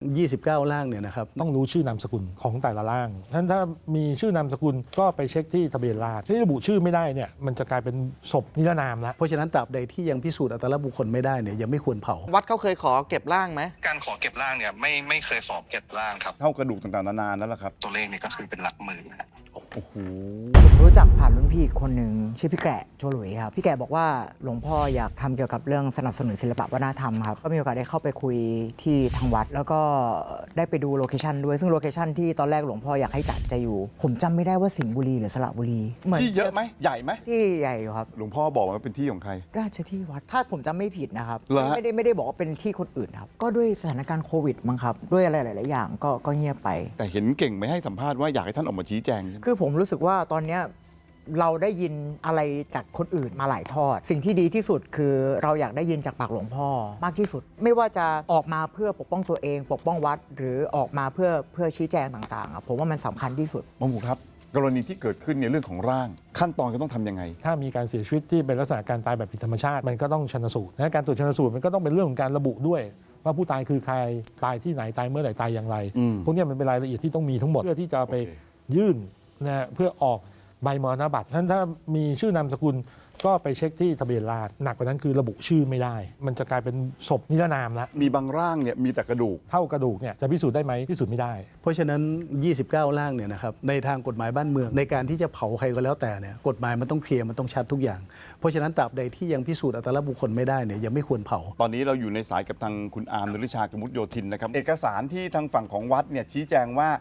29 ร่างเนี่ยนะครับต้องรู้ชื่อนามสกุลของแต่ละร่างท่านถ้ามีชื่อนามสกุลก็ไปเช็คที่ทะเบียนราษฎร์ที่ระบุชื่อไม่ได้เนี่ยมันจะกลายเป็นศพนิรนามแล้วเพราะฉะนั้นตราบใดที่ยังพิสูจน์อัตลักษณ์บุคคลไม่ได้เนี่ยยังไม่ควรเผาวัดเขาเคยขอเก็บร่างไหมการขอเก็บร่างเนี่ยไม่เคยขอเก็บร่างครับเท่ากระดูกต่างๆนานานั่นแหละครับตัวเลขเนี่ยก็คือเป็นหลักหมื่นนะโอ้โหผมรู้จักผ่านรุ่นพี่คนหนึ่งชื่อพี่แกะโจหลุยครับพี่แกะบอกว่าหลวงพ่ออยากทำเกี่ยวกับเรื่องสนับสนุนศิลปะวัฒนธรรมครับก็มีโอกาสได้เข้าไปคุยที่ทางวัดแล้วก็ได้ไปดูโลเคชันด้วยซึ่งโลเคชันที่ตอนแรกหลวงพ่ออยากให้จัดจะอยู่ผมจำไม่ได้ว่าสิงห์บุรีหรือสระบุรีที่เยอะไหมใหญ่ไหมที่ใหญ่อยู่ครับหลวงพ่อบอกว่าเป็นที่ของใครราชที่วัดถ้าผมจำไม่ผิดนะครับไม่ได้บอกว่าเป็นที่คนอื่นครับก็ด้วยสถานการณ์โควิดมั้งครับด้วยอะไรหลายๆอย่างก็เงียบไปแต่เห็นเก่งไม่ให้สัมภาษณ์ว่าอยากให้ท่านออกมาชี้แจงคือผมรู้สึกว่าตอนนี้เราได้ยินอะไรจากคนอื่นมาหลายทอดสิ่งที่ดีที่สุดคือเราอยากได้ยินจากปากหลวงพ่อมากที่สุดไม่ว่าจะออกมาเพื่อปกป้องตัวเองปกป้องวัดหรือออกมาเพื่อชี้แจงต่างๆผมว่ามันสำคัญที่สุดหมอหมูครับกรณีที่เกิดขึ้นในเรื่องของร่างขั้นตอนก็ต้องทำยังไงถ้ามีการเสียชีวิตที่เป็นลักษณะการตายแบบผิดธรรมชาติมันก็ต้องชันสูตรและการตรวจชันสูตรมันก็ต้องเป็นเรื่องของการระบุด้วยว่าผู้ตายคือใครตายที่ไหนตายเมื่อไหร่ตายอย่างไรพวกนี้มันเป็นรายละเอียดที่ต้องมีทั้งหมดเพื่อที่จะไปยื่นนะเพื่อออกใบมรณบัตรท่านถ้ามีชื่อนามสกุลก็ไปเช็คที่ทะเบียนราษฎร์หนักกว่านั้นคือระบุชื่อไม่ได้มันจะกลายเป็นศพนิรนามแล้วมีบางร่างเนี่ยมีแต่กระดูกเท่ากระดูกเนี่ยจะพิสูจน์ได้ไหมพิสูจน์ไม่ได้เพราะฉะนั้น 29 ร่างเนี่ยนะครับในทางกฎหมายบ้านเมืองในการที่จะเผาใครก็แล้วแต่เนี่ยกฎหมายมันต้องเคลียร์มันต้องชัดทุกอย่างเพราะฉะนั้นตราบใดที่ยังพิสูจน์อัตลักษณ์บุคคลไม่ได้เนี่ยยังไม่ควรเผาตอนนี้เราอยู่ในสายกับทางคุณอาร์มนฤชากมุตโยธินนะครับเอกสารที่ทางฝั่งของวัดเนี่ยชี้แจงว่า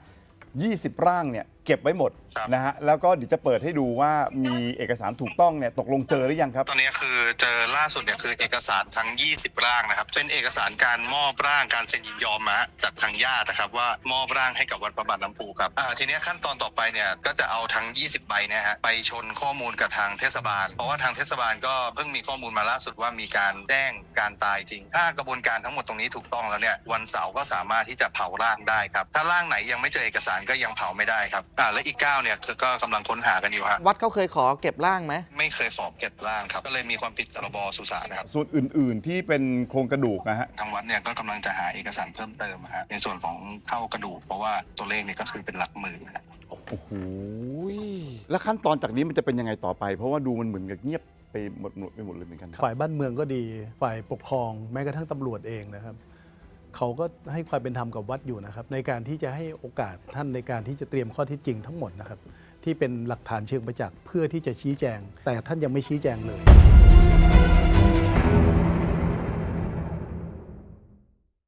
20 ร่างเนี่ยเก็บไว้หมดนะฮะแล้วก็เดี๋ยวจะเปิดให้ดูว่ามีเอกสารถูกต้องเนี่ยตกลงเจอหรือยังครับตอนนี้คือเจอล่าสุดเนี่ยคือเอกสารทั้ง20ร่างนะครับเป็นเอกสารการมอบร่างการเซ็นยินยอมมาจากทางญาตินะครับว่ามอบร่างให้กับวัดพระบาทน้ำพุครับทีนี้ขั้นตอนต่อไปเนี่ยก็จะเอาทั้ง20ใบนะฮะไปชนข้อมูลกับทางเทศบาลเพราะว่าทางเทศบาลก็เพิ่งมีข้อมูลมาล่าสุดว่ามีการแจ้งการตายจริงถ้ากระบวนการทั้งหมดตรงนี้ถูกต้องแล้วเนี่ยวันเสาร์ก็สามารถที่จะเผาร่างได้ครับถ้าร่างไหนยังไม่เจอเอกสารก็ยังเผาไม่ได้ครับและอีก9เนี่ยก็กำลังค้นหากันอยู่ฮะวัดเขาเคยขอเก็บร่างไหมไม่เคยขอเก็บร่างครับก็เลยมีความผิดพรบสุสานนะครับส่วนอื่นๆที่เป็นโครงกระดูกนะฮะทางวัดเนี่ยก็กำลังจะหาเอกสารเพิ่มเติมฮะในส่วนของเท่ากระดูกเพราะว่าตัวเลขเนี่ยก็คือเป็นหลักหมื่นนะโอ้โหแล้วขั้นตอนจากนี้มันจะเป็นยังไงต่อไปเพราะว่าดูมันเหมือนกับเงียบไปหมดเลยเหมือนกันฝ่ายบ้านเมืองก็ดีฝ่ายปกครองแม้กระทั่งตำรวจเองนะครับเขาก็ให้ความเป็นธรรมกับวัดอยู่นะครับในการที่จะให้โอกาสท่านในการที่จะเตรียมข้อเท็จจริงทั้งหมดนะครับที่เป็นหลักฐานเชิงประจักษ์เพื่อที่จะชี้แจงแต่ท่านยังไม่ชี้แจงเลย